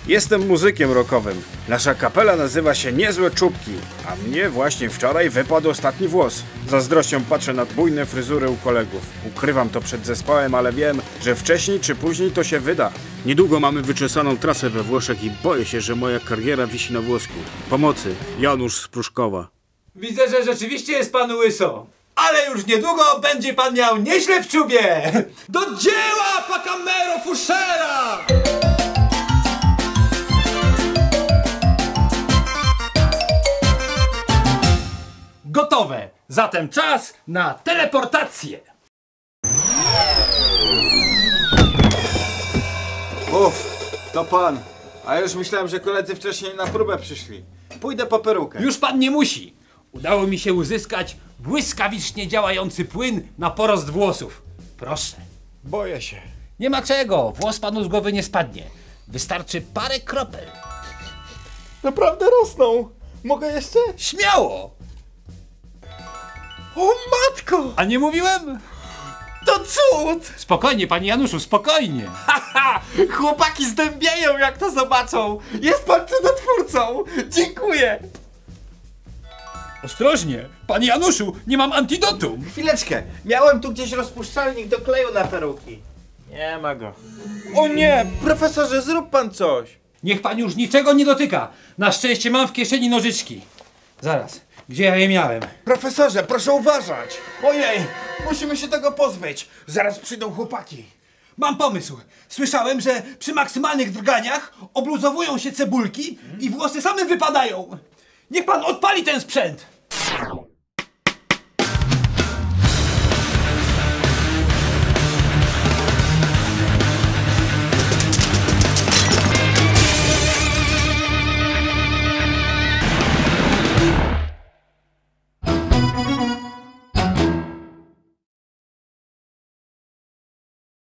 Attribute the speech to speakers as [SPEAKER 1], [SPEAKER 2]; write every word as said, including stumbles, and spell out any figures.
[SPEAKER 1] Jestem muzykiem rockowym. Nasza kapela nazywa się Niezłe Czubki, a mnie właśnie wczoraj wypadł ostatni włos. Zazdrością patrzę na bujne fryzury u kolegów. Ukrywam to przed zespołem, ale wiem, że wcześniej czy później to się wyda. Niedługo mamy wyczesaną trasę we Włoszech i boję się, że moja kariera wisi na włosku. Pomocy, Janusz z Pruszkowa.
[SPEAKER 2] Widzę, że rzeczywiście jest pan łyso. Ale już niedługo będzie pan miał nieźle w czubie! Do dzieła, Pacamero Fuszera! Gotowe! Zatem czas na teleportację!
[SPEAKER 3] Uff, to pan. A ja już myślałem, że koledzy wcześniej na próbę przyszli. Pójdę po perukę.
[SPEAKER 2] Już pan nie musi. Udało mi się uzyskać błyskawicznie działający płyn na porost włosów. Proszę.
[SPEAKER 3] Boję się.
[SPEAKER 2] Nie ma czego, włos panu z głowy nie spadnie. Wystarczy parę kropel.
[SPEAKER 3] Naprawdę rosną. Mogę jeszcze?
[SPEAKER 2] Śmiało!
[SPEAKER 3] O matko!
[SPEAKER 2] A nie mówiłem?
[SPEAKER 3] To cud!
[SPEAKER 2] Spokojnie, panie Januszu, spokojnie.
[SPEAKER 3] Haha! Chłopaki zdębiają, jak to zobaczą. Jest pan cudotwórcą. Dziękuję.
[SPEAKER 2] Ostrożnie, panie Januszu, nie mam antidotum.
[SPEAKER 3] Chwileczkę. Miałem tu gdzieś rozpuszczalnik do kleju na peruki. Nie ma go. O nie! Profesorze, zrób pan coś.
[SPEAKER 2] Niech pan już niczego nie dotyka. Na szczęście mam w kieszeni nożyczki. Zaraz, gdzie ja je miałem?
[SPEAKER 3] Profesorze, proszę uważać. Ojej, musimy się tego pozbyć. Zaraz przyjdą chłopaki.
[SPEAKER 4] Mam pomysł. Słyszałem, że przy maksymalnych drganiach obluzowują się cebulki i włosy same wypadają. Niech pan odpali ten sprzęt.